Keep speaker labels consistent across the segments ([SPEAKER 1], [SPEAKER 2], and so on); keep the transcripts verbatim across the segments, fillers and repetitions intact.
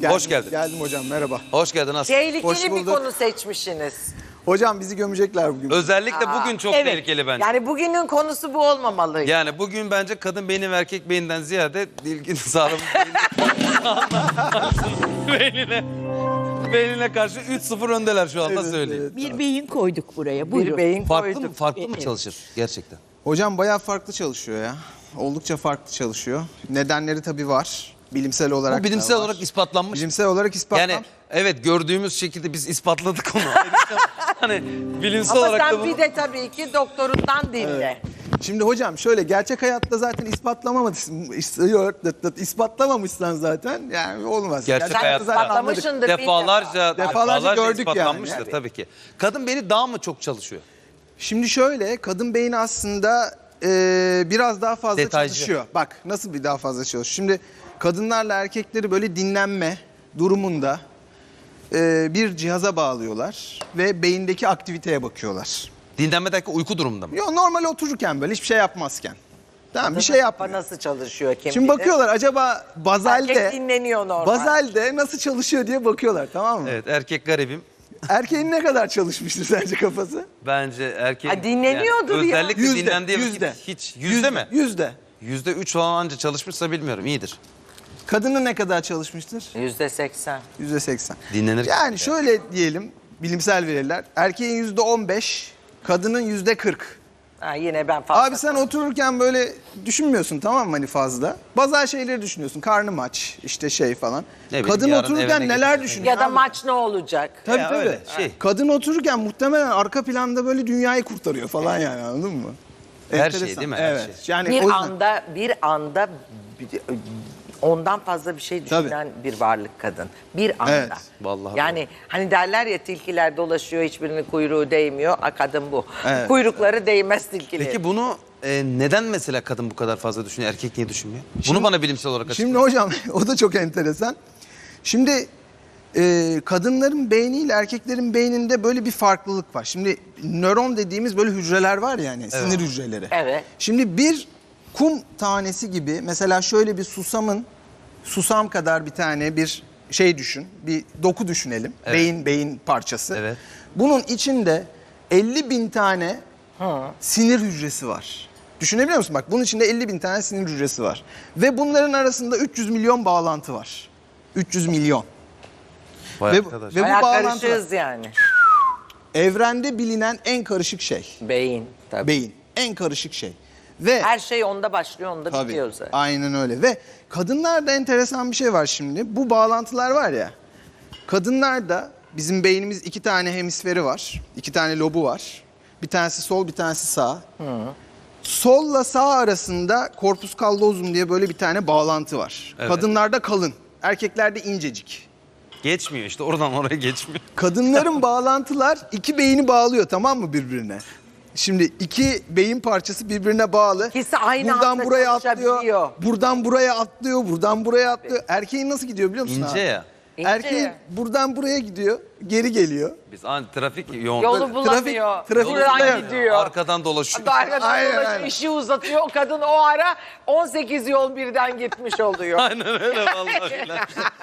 [SPEAKER 1] Geldim,
[SPEAKER 2] Hoş geldin.
[SPEAKER 1] Geldim hocam, merhaba.
[SPEAKER 2] Hoş geldin Aslı.
[SPEAKER 1] Hoş
[SPEAKER 3] Tehlikeli bir
[SPEAKER 1] bulduk.
[SPEAKER 3] konu seçmişsiniz.
[SPEAKER 1] Hocam bizi gömecekler bugün.
[SPEAKER 2] Özellikle bugün çok tehlikeli bence.
[SPEAKER 3] Yani bugünün konusu bu olmamalı.
[SPEAKER 2] Yani bugün bence kadın beyni ve erkek beyninden ziyade ilgili sağlam beynine, beynine karşı üç sıfır öndeler şu anda
[SPEAKER 1] Evet,
[SPEAKER 2] söyleyeyim.
[SPEAKER 1] evet.
[SPEAKER 4] Bir beyin koyduk buraya. Buyurun.
[SPEAKER 3] Bir beyin
[SPEAKER 2] Farklı
[SPEAKER 3] koyduk.
[SPEAKER 2] mı, farklı mı çalışır gerçekten?
[SPEAKER 1] Hocam bayağı farklı çalışıyor ya. Oldukça farklı çalışıyor. Nedenleri tabii var. Bilimsel olarak
[SPEAKER 2] Bu bilimsel
[SPEAKER 1] da var.
[SPEAKER 2] olarak ispatlanmış.
[SPEAKER 1] Bilimsel olarak ispatlan.
[SPEAKER 2] Yani evet gördüğümüz şekilde biz ispatladık onu. hani bilimsel
[SPEAKER 3] Ama
[SPEAKER 2] olarak da
[SPEAKER 3] sen
[SPEAKER 2] bunu...
[SPEAKER 3] bir de tabii ki doktorundan dinle.
[SPEAKER 1] Şimdi hocam şöyle, gerçek hayatta zaten ispatlamamışsın, ispatlamamışsan zaten yani olmaz.
[SPEAKER 2] Gerçek
[SPEAKER 3] Sen
[SPEAKER 2] hayatta
[SPEAKER 1] zaten anladık.
[SPEAKER 3] ispatlamışsındır bir
[SPEAKER 2] Defalarca,
[SPEAKER 3] defa.
[SPEAKER 1] Defalarca gördük yani.
[SPEAKER 2] ispatlanmıştır
[SPEAKER 1] Evet.
[SPEAKER 2] tabii ki. Kadın beyni daha mı çok çalışıyor?
[SPEAKER 1] Şimdi şöyle, kadın beyni aslında e, biraz daha fazla
[SPEAKER 2] Detaycı.
[SPEAKER 1] çalışıyor. Bak nasıl bir daha fazla çalışıyor. Şimdi kadınlarla erkekleri böyle dinlenme durumunda e, bir cihaza bağlıyorlar ve beyindeki aktiviteye bakıyorlar.
[SPEAKER 2] Dinlenme derken uyku durumunda mı?
[SPEAKER 1] Yo, normal otururken böyle hiçbir şey yapmazken. Tamam, bir şey
[SPEAKER 3] Kafa
[SPEAKER 1] yapmıyor.
[SPEAKER 3] nasıl çalışıyor kim
[SPEAKER 1] Şimdi
[SPEAKER 3] bilir?
[SPEAKER 1] bakıyorlar acaba bazalde,
[SPEAKER 3] Erkek dinleniyor normal.
[SPEAKER 1] bazalde nasıl çalışıyor diye bakıyorlar, tamam mı?
[SPEAKER 2] Evet, erkek garibim.
[SPEAKER 1] Erkeğin ne kadar çalışmıştır sence kafası?
[SPEAKER 2] Bence erkek...
[SPEAKER 3] Ha, dinleniyordur
[SPEAKER 2] yani
[SPEAKER 3] ya.
[SPEAKER 2] Özellikle
[SPEAKER 1] Yüzde,
[SPEAKER 2] dinlendiği vakit
[SPEAKER 1] yüzde.
[SPEAKER 2] hiç... Yüzde mi?
[SPEAKER 1] Yüzde.
[SPEAKER 2] Yüzde üç falan anca çalışmışsa bilmiyorum, iyidir.
[SPEAKER 1] Kadının ne kadar çalışmıştır?
[SPEAKER 3] Yüzde seksen.
[SPEAKER 1] Yüzde seksen.
[SPEAKER 2] Dinlenirken.
[SPEAKER 1] Yani şöyle diyelim, bilimsel veriler. Erkeğin yüzde on beş, kadının yüzde kırk.
[SPEAKER 3] Ha, yine ben fazla.
[SPEAKER 1] Abi sen otururken böyle düşünmüyorsun, tamam mı, hani fazla. Bazı şeyleri düşünüyorsun, karnım aç, işte şey falan.
[SPEAKER 2] Ne bileyim,
[SPEAKER 1] Kadın
[SPEAKER 2] yarın
[SPEAKER 1] otururken
[SPEAKER 2] evine
[SPEAKER 1] neler
[SPEAKER 2] gidecek.
[SPEAKER 1] düşünüyor?
[SPEAKER 3] Ya da
[SPEAKER 1] abi?
[SPEAKER 3] maç ne olacak?
[SPEAKER 1] Tabii
[SPEAKER 2] Ya
[SPEAKER 1] tabii.
[SPEAKER 2] öyle, şey.
[SPEAKER 1] Kadın otururken muhtemelen arka planda böyle dünyayı kurtarıyor falan yani, anladın mı?
[SPEAKER 2] Her
[SPEAKER 1] Enteresan.
[SPEAKER 2] şey değil mi? Her
[SPEAKER 1] Evet.
[SPEAKER 2] şey.
[SPEAKER 1] Yani
[SPEAKER 3] Bir
[SPEAKER 1] o yüzden-
[SPEAKER 3] anda bir anda bir- ondan fazla bir şey düşünen bir varlık kadın. Bir anda.
[SPEAKER 1] Evet,
[SPEAKER 2] vallahi
[SPEAKER 3] Yani hani derler ya, tilkiler dolaşıyor, hiçbirinin kuyruğu değmiyor. A, kadın bu.
[SPEAKER 1] Evet.
[SPEAKER 3] Kuyrukları değmez tilkilerin.
[SPEAKER 2] Peki bunu e, neden mesela kadın bu kadar fazla düşünüyor, erkek niye düşünmüyor? Bunu bana bilimsel olarak açıkla.
[SPEAKER 1] Şimdi hocam o da çok enteresan. Şimdi e, kadınların beyniyle erkeklerin beyninde böyle bir farklılık var. Şimdi nöron dediğimiz böyle hücreler var ya, yani sinir hücreleri.
[SPEAKER 3] Evet.
[SPEAKER 1] Şimdi bir kum tanesi gibi, mesela şöyle bir susamın, susam kadar bir tane bir şey düşün. Bir doku düşünelim.
[SPEAKER 2] Evet.
[SPEAKER 1] Beyin beyin parçası.
[SPEAKER 2] Evet.
[SPEAKER 1] Bunun içinde elli bin tane sinir hücresi var. Düşünebiliyor musun? Bak, bunun içinde elli bin tane sinir hücresi var. Ve bunların arasında üç yüz milyon bağlantı var. üç yüz milyon.
[SPEAKER 2] Vay
[SPEAKER 1] Ve,
[SPEAKER 2] arkadaş.
[SPEAKER 1] ve bu
[SPEAKER 3] Bayağı
[SPEAKER 1] bağlantı
[SPEAKER 3] karışığız yani.
[SPEAKER 1] evrende bilinen en karışık şey.
[SPEAKER 3] Beyin tabii.
[SPEAKER 1] Beyin. En karışık şey. Ve
[SPEAKER 3] Her şey onda başlıyor, onda
[SPEAKER 1] tabii,
[SPEAKER 3] bitiyor zaten.
[SPEAKER 1] aynen öyle. Ve kadınlarda enteresan bir şey var şimdi. Bu bağlantılar var ya. Kadınlarda bizim beynimiz iki tane hemisferi var. İki tane lobu var. Bir tanesi sol, bir tanesi sağ. Solla sağ arasında corpus callosum diye böyle bir tane bağlantı var.
[SPEAKER 2] Evet.
[SPEAKER 1] Kadınlarda kalın, erkeklerde incecik.
[SPEAKER 2] Geçmiyor işte, oradan oraya geçmiyor.
[SPEAKER 1] Kadınların bağlantılar iki beyni bağlıyor, tamam mı, birbirine? Şimdi iki beyin parçası birbirine bağlı.
[SPEAKER 3] İkisi aynı
[SPEAKER 1] buradan
[SPEAKER 3] anda
[SPEAKER 1] buraya atlıyor.
[SPEAKER 3] çalışabiliyor.
[SPEAKER 1] Buradan buraya atlıyor, buradan buraya atlıyor. Erkeğin nasıl gidiyor biliyor musun
[SPEAKER 2] İnce
[SPEAKER 1] abi?
[SPEAKER 2] ya.
[SPEAKER 3] İnce
[SPEAKER 1] Erkeğin
[SPEAKER 3] ya.
[SPEAKER 1] buradan buraya gidiyor, geri geliyor.
[SPEAKER 2] Biz an trafik yoğun.
[SPEAKER 3] Yolu bulamıyor.
[SPEAKER 1] trafik- trafik
[SPEAKER 3] Buradan
[SPEAKER 1] oluyor.
[SPEAKER 3] gidiyor.
[SPEAKER 2] Arkadan dolaşıyor.
[SPEAKER 3] Arkadan
[SPEAKER 1] Aynen,
[SPEAKER 3] dolaşıyor,
[SPEAKER 1] aynen.
[SPEAKER 3] işi uzatıyor. O kadın o ara on sekiz yol birden gitmiş oluyor.
[SPEAKER 2] Aynen öyle vallahi. billahi.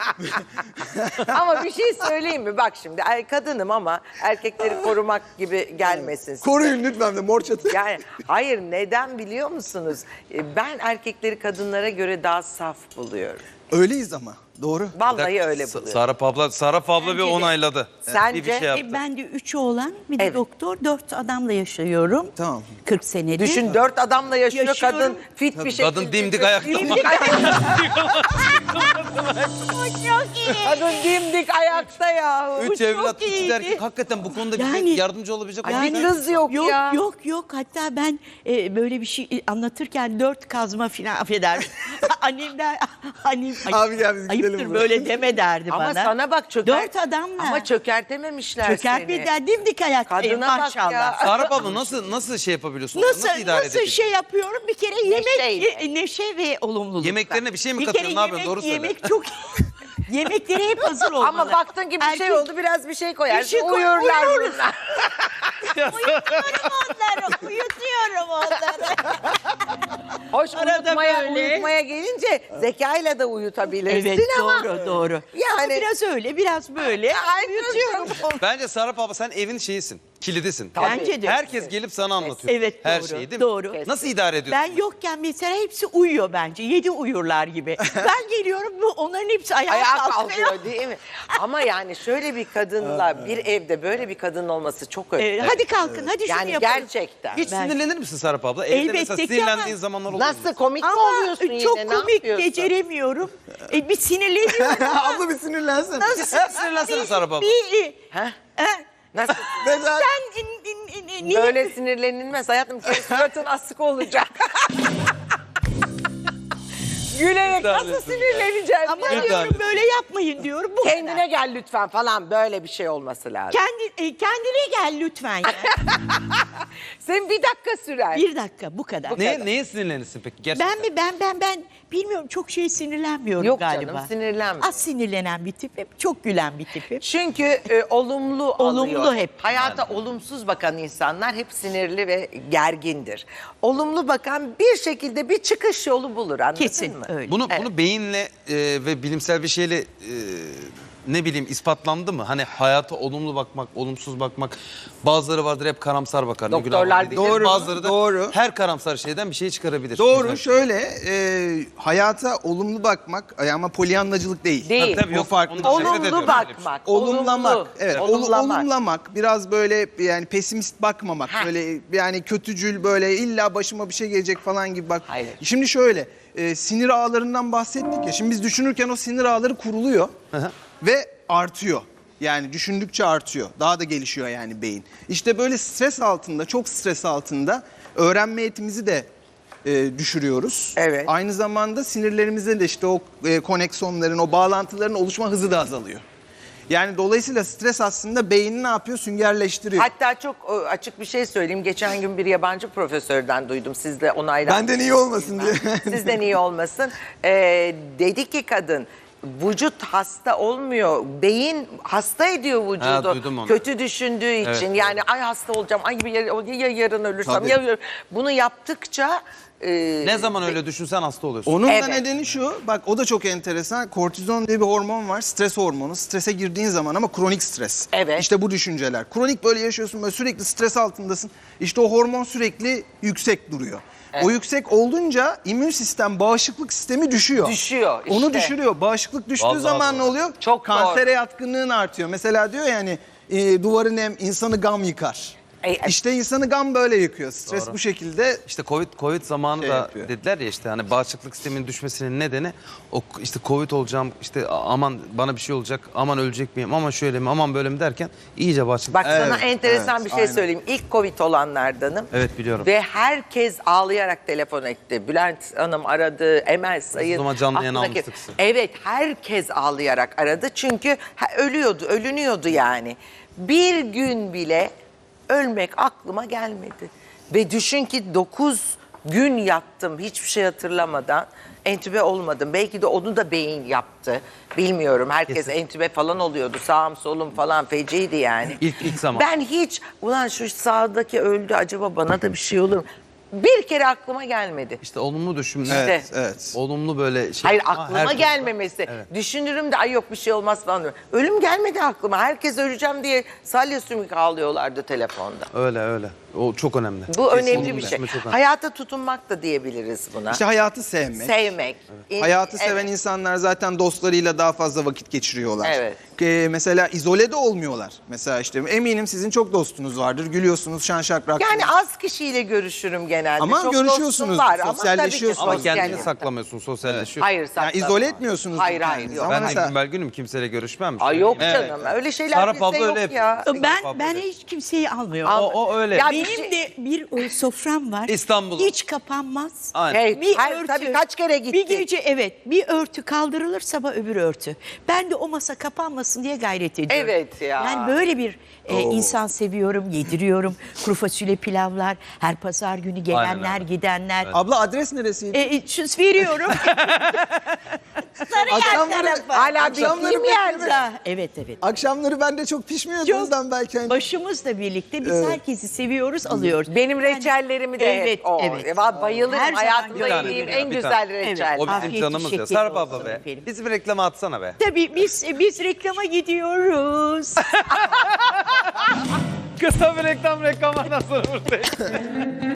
[SPEAKER 3] Ama bir şey söyleyeyim mi? Bak şimdi er- kadınım ama erkekleri korumak gibi gelmesin size.
[SPEAKER 1] Koruyun lütfen de mor çatı.
[SPEAKER 3] Yani hayır, neden biliyor musunuz? E, Ben erkekleri kadınlara göre daha saf buluyorum.
[SPEAKER 1] Öyleyiz ama, doğru.
[SPEAKER 3] Vallahi öyle
[SPEAKER 2] Sa-
[SPEAKER 3] buluyorum.
[SPEAKER 2] Sara Pabla, Sara Pabla bir
[SPEAKER 4] Bence de.
[SPEAKER 2] onayladı.
[SPEAKER 3] Sence?
[SPEAKER 2] Bir, bir şey yaptı.
[SPEAKER 4] E, ben de üç oğlan, bir de
[SPEAKER 3] Evet.
[SPEAKER 4] doktor, dört adamla yaşıyorum.
[SPEAKER 1] Tamam.
[SPEAKER 4] kırk senedir.
[SPEAKER 3] Düşün, dört adamla yaşıyor,
[SPEAKER 4] Yaşıyorum.
[SPEAKER 3] kadın fit bir şekilde.
[SPEAKER 2] Kadın dimdik ayakta.
[SPEAKER 3] Dimdik ayakta.
[SPEAKER 4] Çok iyi.
[SPEAKER 3] Kadın dimdik ayakta ya.
[SPEAKER 2] Üç
[SPEAKER 4] çok
[SPEAKER 2] evlat, iki
[SPEAKER 4] iyiydi.
[SPEAKER 2] de erkek. Hakikaten bu konuda
[SPEAKER 4] Yani-
[SPEAKER 2] bize yardımcı olabilecek olan
[SPEAKER 3] bir kız yok,
[SPEAKER 4] yok
[SPEAKER 3] ya.
[SPEAKER 4] Yok yok hatta ben e, böyle bir şey anlatırken dört kazma filan affeder. Annem der, annem
[SPEAKER 1] Abi gel biz gidelim
[SPEAKER 4] ayıptır
[SPEAKER 1] buradan.
[SPEAKER 4] böyle deme derdi
[SPEAKER 3] Ama
[SPEAKER 4] bana.
[SPEAKER 3] sana bak, çöker.
[SPEAKER 4] Dört adamla.
[SPEAKER 3] Ama çökertememişler seni.
[SPEAKER 4] Çökertmeden dimdik ayaktayım
[SPEAKER 3] Kadına bak
[SPEAKER 4] maşallah.
[SPEAKER 3] ya.
[SPEAKER 2] Sara Pabla nasıl nasıl şey yapabiliyorsun?
[SPEAKER 4] Nasıl
[SPEAKER 2] idare
[SPEAKER 4] nasıl
[SPEAKER 2] edebiliyorsun?
[SPEAKER 4] şey yapıyorum? Bir kere yemek
[SPEAKER 3] Neşeyle.
[SPEAKER 4] e, neşe ve olumluluk.
[SPEAKER 2] Yemeklerine bir şey mi
[SPEAKER 4] Bir
[SPEAKER 2] katıyorsun?
[SPEAKER 4] kere
[SPEAKER 2] Ne yapıyorsun?
[SPEAKER 4] yemek,
[SPEAKER 2] Doğru söyle.
[SPEAKER 4] yemek çok yemekleri hep hazır olmalı.
[SPEAKER 3] Ama baktın ki bir şey
[SPEAKER 4] Erkek-
[SPEAKER 3] oldu, biraz bir şey koyarsın.
[SPEAKER 4] Bir şey koy-
[SPEAKER 3] uyurlar
[SPEAKER 4] uyuruz.
[SPEAKER 3] bunlar.
[SPEAKER 4] Uyutuyorum onları, uyutuyorum onları.
[SPEAKER 3] Hoş
[SPEAKER 4] Arada
[SPEAKER 3] uyutmaya,
[SPEAKER 4] böyle.
[SPEAKER 3] uyutmaya gelince zekayla da uyutabilirsin
[SPEAKER 4] Evet
[SPEAKER 3] ama.
[SPEAKER 4] doğru doğru.
[SPEAKER 3] Yani-
[SPEAKER 4] Yani biraz öyle biraz böyle
[SPEAKER 3] Ay,
[SPEAKER 4] uyutuyorum.
[SPEAKER 2] Bence Serap abla sen evin şeyisin, kilidisin.
[SPEAKER 4] Bence de.
[SPEAKER 2] Herkes gelip sana anlatıyor.
[SPEAKER 4] Evet,
[SPEAKER 2] Her
[SPEAKER 4] doğru,
[SPEAKER 2] şeyi değil mi?
[SPEAKER 4] doğru.
[SPEAKER 2] Nasıl idare ediyorsun?
[SPEAKER 4] Ben yokken mesela hepsi uyuyor bence. Yedi uyurlar gibi. Ben geliyorum bu onların hepsi ayağa,
[SPEAKER 3] Ayağa
[SPEAKER 4] kalkıyor.
[SPEAKER 3] kalkıyor değil mi? Ama yani şöyle bir kadınla bir evde böyle bir kadın olması çok önemli.
[SPEAKER 4] Ee, hadi kalkın hadi şunu
[SPEAKER 3] Yani
[SPEAKER 4] yapalım.
[SPEAKER 3] gerçekten.
[SPEAKER 2] Hiç
[SPEAKER 4] Ben-
[SPEAKER 2] sinirlenir misin Serap abla? Evde
[SPEAKER 4] Elbette
[SPEAKER 2] mesela
[SPEAKER 4] ki
[SPEAKER 2] sinirlendiğin
[SPEAKER 4] ama-
[SPEAKER 2] zamanlar oluyor mu?
[SPEAKER 3] Nasıl komik mi
[SPEAKER 4] Ama
[SPEAKER 3] oluyorsun yine?
[SPEAKER 4] çok
[SPEAKER 3] Ne
[SPEAKER 4] komik
[SPEAKER 3] yapıyorsun?
[SPEAKER 4] beceremiyorum. E, bir sinirleniyorum.
[SPEAKER 1] Abla bir sinirlensin.
[SPEAKER 4] Nasıl?
[SPEAKER 2] Sinirlensene Serap abla.
[SPEAKER 4] Bir,
[SPEAKER 3] Heh,
[SPEAKER 4] e,
[SPEAKER 3] nasıl?
[SPEAKER 1] Mesela
[SPEAKER 4] sen in, in, in, in, niye-
[SPEAKER 3] Böyle sinirlenilmez hayatım. Senin suratın asık olacak. Gülerek nasıl sinirleneceğim?
[SPEAKER 4] Ama
[SPEAKER 3] ya?
[SPEAKER 4] diyorum böyle yapmayın diyorum. Bu kadar.
[SPEAKER 3] Kendine gel lütfen falan böyle bir şey olması lazım.
[SPEAKER 4] Kendi, e, kendine gel lütfen. Ya.
[SPEAKER 3] Senin bir dakika sürer.
[SPEAKER 4] Bir dakika bu kadar.
[SPEAKER 2] Neye, neye sinirlenirsin peki? Gerçekten.
[SPEAKER 4] Ben mi ben ben ben bilmiyorum çok şey sinirlenmiyorum
[SPEAKER 3] Yok
[SPEAKER 4] galiba.
[SPEAKER 3] canım, sinirlenme.
[SPEAKER 4] Az sinirlenen bir tipim, çok gülen bir tipim.
[SPEAKER 3] Çünkü e, olumlu
[SPEAKER 4] Olumlu
[SPEAKER 3] alıyor.
[SPEAKER 4] hep.
[SPEAKER 3] Hayata olumsuz bakan insanlar hep sinirli ve gergindir. Olumlu bakan bir şekilde bir çıkış yolu bulur anladın
[SPEAKER 4] Kesin
[SPEAKER 3] mı?
[SPEAKER 4] öyle.
[SPEAKER 2] Bunu bunu beyinle e, ve bilimsel bir şeyle e, ne bileyim ispatlandı mı? Hani hayata olumlu bakmak, olumsuz bakmak. Bazıları vardır hep karamsar bakar. ne günah var
[SPEAKER 3] Doktorlar
[SPEAKER 2] dediği.
[SPEAKER 1] Doğru,
[SPEAKER 2] Bazıları da
[SPEAKER 1] doğru.
[SPEAKER 2] her karamsar şeyden bir şey çıkarabilir.
[SPEAKER 1] doğru
[SPEAKER 2] Mesela-
[SPEAKER 1] şöyle e, hayata olumlu bakmak ama polyanlacılık değil.
[SPEAKER 3] Değil.
[SPEAKER 2] Tabii, tabii,
[SPEAKER 1] O
[SPEAKER 2] yok,
[SPEAKER 1] farklı.
[SPEAKER 2] onu da nefret
[SPEAKER 3] Olumlu
[SPEAKER 2] ediyorum öyle bir şey.
[SPEAKER 3] bakmak.
[SPEAKER 1] Olumlamak.
[SPEAKER 3] olumlu,
[SPEAKER 1] Evet, ol-
[SPEAKER 3] olumlamak.
[SPEAKER 1] olumlamak. Biraz böyle yani pesimist bakmamak.
[SPEAKER 3] Heh.
[SPEAKER 1] Böyle yani kötücül böyle illa başıma bir şey gelecek falan gibi bak.
[SPEAKER 3] Hayır.
[SPEAKER 1] Şimdi şöyle e, sinir ağlarından bahsettik ya. Şimdi biz düşünürken o sinir ağları kuruluyor ve artıyor. Yani düşündükçe artıyor. Daha da gelişiyor yani beyin. İşte böyle stres altında, çok stres altında öğrenme yetimizi de e, düşürüyoruz.
[SPEAKER 3] Evet.
[SPEAKER 1] Aynı zamanda sinirlerimizde de işte o e, koneksiyonların, o bağlantıların oluşma hızı da azalıyor. Yani dolayısıyla stres aslında beyni ne yapıyor? Süngerleştiriyor.
[SPEAKER 3] Hatta çok e, açık bir şey söyleyeyim. Geçen gün bir yabancı profesörden duydum. Siz de onaylandınız.
[SPEAKER 1] Benden iyi olmasın diye.
[SPEAKER 3] Sizden iyi olmasın. Ee, dedi ki kadın vücut hasta olmuyor. Beyin hasta ediyor vücudu.
[SPEAKER 2] Ha, duydum onu.
[SPEAKER 3] Kötü düşündüğü için.
[SPEAKER 2] Evet.
[SPEAKER 3] Yani ay hasta olacağım. Ay ya, ya yarın ölürsem.
[SPEAKER 1] Tabii.
[SPEAKER 3] Ya, bunu yaptıkça e,
[SPEAKER 2] Ne zaman öyle düşünsen hasta oluyorsun.
[SPEAKER 1] Onun
[SPEAKER 3] Evet.
[SPEAKER 1] da nedeni şu, bak o da çok enteresan. Kortizon diye bir hormon var, stres hormonu. Strese girdiğin zaman ama kronik stres.
[SPEAKER 3] Evet.
[SPEAKER 1] İşte bu düşünceler. Kronik böyle yaşıyorsun, böyle sürekli stres altındasın. İşte o hormon sürekli yüksek duruyor. O yüksek olunca immün sistem, bağışıklık sistemi düşüyor.
[SPEAKER 3] Düşüyor işte.
[SPEAKER 1] Onu düşürüyor. Bağışıklık düştüğü
[SPEAKER 2] Vallahi
[SPEAKER 1] zaman
[SPEAKER 2] doğru.
[SPEAKER 1] ne oluyor?
[SPEAKER 3] Çok
[SPEAKER 1] Kansere
[SPEAKER 3] doğru.
[SPEAKER 1] yatkınlığın artıyor. Mesela diyor yani e, duvarı nem insanı gam yıkar.
[SPEAKER 3] E, e-
[SPEAKER 1] İşte insanı gam böyle yıkıyor. Stres
[SPEAKER 2] Doğru.
[SPEAKER 1] bu şekilde.
[SPEAKER 2] İşte Covid Covid zamanı
[SPEAKER 1] Şey
[SPEAKER 2] da
[SPEAKER 1] yapıyor.
[SPEAKER 2] dediler ya işte hani bağışıklık sisteminin düşmesinin nedeni o işte Covid olacağım işte aman bana bir şey olacak aman ölecek miyim aman şöyle mi aman böyle mi derken iyice bağışıklık.
[SPEAKER 3] Bak sana
[SPEAKER 1] Evet,
[SPEAKER 3] enteresan
[SPEAKER 1] evet,
[SPEAKER 3] bir şey
[SPEAKER 1] aynen.
[SPEAKER 3] söyleyeyim. İlk Covid olanlardanım.
[SPEAKER 2] Evet, biliyorum.
[SPEAKER 3] Ve herkes ağlayarak telefon etti. Bülent Hanım aradı, Emel Sayın.
[SPEAKER 2] zaman canlı yayın
[SPEAKER 3] aklındaki-
[SPEAKER 2] almıştık sizi.
[SPEAKER 3] Evet, herkes ağlayarak aradı. Çünkü ha, ölüyordu, ölünüyordu yani. Bir gün bile ölmek aklıma gelmedi. Ve düşün ki dokuz gün yattım hiçbir şey hatırlamadan. Entübe olmadım. Belki de onu da beyin yaptı. Bilmiyorum. Herkes
[SPEAKER 2] Kesin.
[SPEAKER 3] entübe falan oluyordu. Sağım solum falan feciydi yani.
[SPEAKER 2] İlk- ilk zaman.
[SPEAKER 3] Ben hiç ulan şu sağdaki öldü acaba bana da bir şey olur mu? Bir kere aklıma gelmedi.
[SPEAKER 2] İşte olumlu düşünme.
[SPEAKER 3] Evet,
[SPEAKER 1] Evet, evet.
[SPEAKER 2] Olumlu böyle şey.
[SPEAKER 3] Hayır
[SPEAKER 2] Ama
[SPEAKER 3] aklıma
[SPEAKER 2] herkes-
[SPEAKER 3] gelmemesi. Düşünürüm de ay yok bir şey olmaz falan diyorum. Ölüm gelmedi aklıma. Herkes öleceğim diye salya sümük ağlıyorlardı telefonda.
[SPEAKER 2] Öyle öyle. O çok önemli.
[SPEAKER 3] Bu önemli
[SPEAKER 2] Olumlu
[SPEAKER 3] bir şey.
[SPEAKER 2] düşünme çok önemli.
[SPEAKER 3] Hayata tutunmak da diyebiliriz buna.
[SPEAKER 1] İşte hayatı sevmek.
[SPEAKER 3] Sevmek. İn-
[SPEAKER 1] Hayatı seven
[SPEAKER 3] evet.
[SPEAKER 1] insanlar zaten dostlarıyla daha fazla vakit geçiriyorlar.
[SPEAKER 3] Evet.
[SPEAKER 1] Ee, mesela izole de olmuyorlar. Mesela işte eminim sizin çok dostunuz vardır. Gülüyorsunuz, şan şakrak.
[SPEAKER 3] Yani az kişiyle görüşürüm genelde.
[SPEAKER 1] Ama
[SPEAKER 3] Çok
[SPEAKER 1] görüşüyorsunuz,
[SPEAKER 3] dostum var ama
[SPEAKER 1] sosyalleşiyorsunuz.
[SPEAKER 3] tabii
[SPEAKER 2] Ama
[SPEAKER 3] ki
[SPEAKER 2] kendini
[SPEAKER 3] sosyal-
[SPEAKER 2] saklamıyorsun, sosyalleşiyorsun.
[SPEAKER 3] Hayır
[SPEAKER 1] yani
[SPEAKER 3] saklamam.
[SPEAKER 1] izole etmiyorsunuz.
[SPEAKER 3] Hayır hayır
[SPEAKER 1] kendinizi.
[SPEAKER 3] yok.
[SPEAKER 1] Ama
[SPEAKER 2] Ben de
[SPEAKER 1] mesela-
[SPEAKER 2] gümbel günüm kimseyle görüşmem.
[SPEAKER 3] Ay yok
[SPEAKER 2] Evet.
[SPEAKER 3] canım öyle şeyler
[SPEAKER 2] Serap
[SPEAKER 3] bizde
[SPEAKER 2] abla
[SPEAKER 3] yok
[SPEAKER 2] öyle yapıyor.
[SPEAKER 3] ya.
[SPEAKER 4] Ben ben hiç kimseyi almıyorum.
[SPEAKER 3] Al-
[SPEAKER 2] O, o öyle.
[SPEAKER 3] Ya
[SPEAKER 4] Benim
[SPEAKER 3] bir şey-
[SPEAKER 4] de bir e, sofram var.
[SPEAKER 2] İstanbul'da.
[SPEAKER 4] Hiç kapanmaz.
[SPEAKER 2] Aynen.
[SPEAKER 3] Hey,
[SPEAKER 4] Bir
[SPEAKER 3] her-
[SPEAKER 4] örtü.
[SPEAKER 3] tabii kaç kere gitti.
[SPEAKER 4] Bir gece evet bir örtü kaldırılır sabah öbür örtü. Ben de o masa kapanmasın diye gayret ediyorum.
[SPEAKER 3] Evet ya.
[SPEAKER 4] Yani böyle bir e, insan seviyorum, yediriyorum. Kuru fasulye pilavlar, her pazar günü gelenler,
[SPEAKER 2] Aynen öyle.
[SPEAKER 4] gidenler.
[SPEAKER 1] Abla adres neresiydi?
[SPEAKER 4] E, e, şu veriyorum. Sarıyer
[SPEAKER 1] Akşamları-
[SPEAKER 4] tarafı.
[SPEAKER 3] Hala
[SPEAKER 1] Akşamları
[SPEAKER 3] bittiğim yerde.
[SPEAKER 4] Ha, Evet evet.
[SPEAKER 1] Akşamları ben de çok pişmiyordum
[SPEAKER 4] Çok
[SPEAKER 1] ondan belki. Hani...
[SPEAKER 4] başımızla birlikte biz herkesi seviyoruz. gidiyoruz, alıyoruz.
[SPEAKER 3] Benim reçellerimi de
[SPEAKER 4] Evet,
[SPEAKER 3] hep o.
[SPEAKER 4] evet.
[SPEAKER 3] Va- Bayılırım.
[SPEAKER 4] Her zaman
[SPEAKER 3] Hayatımda
[SPEAKER 2] Bir tane,
[SPEAKER 3] yediğim
[SPEAKER 2] bir
[SPEAKER 3] en
[SPEAKER 2] tane, bir
[SPEAKER 3] güzel
[SPEAKER 2] tane.
[SPEAKER 3] reçel.
[SPEAKER 2] O bizim
[SPEAKER 4] Afiyet
[SPEAKER 2] canımız ya.
[SPEAKER 4] şekeri
[SPEAKER 2] Serap abla
[SPEAKER 4] olsun
[SPEAKER 2] be.
[SPEAKER 4] efendim.
[SPEAKER 2] Bizi bir reklama atsana be.
[SPEAKER 4] Tabii biz biz reklama gidiyoruz.
[SPEAKER 2] Kısa bir reklam reklamlardan sonra buradayız.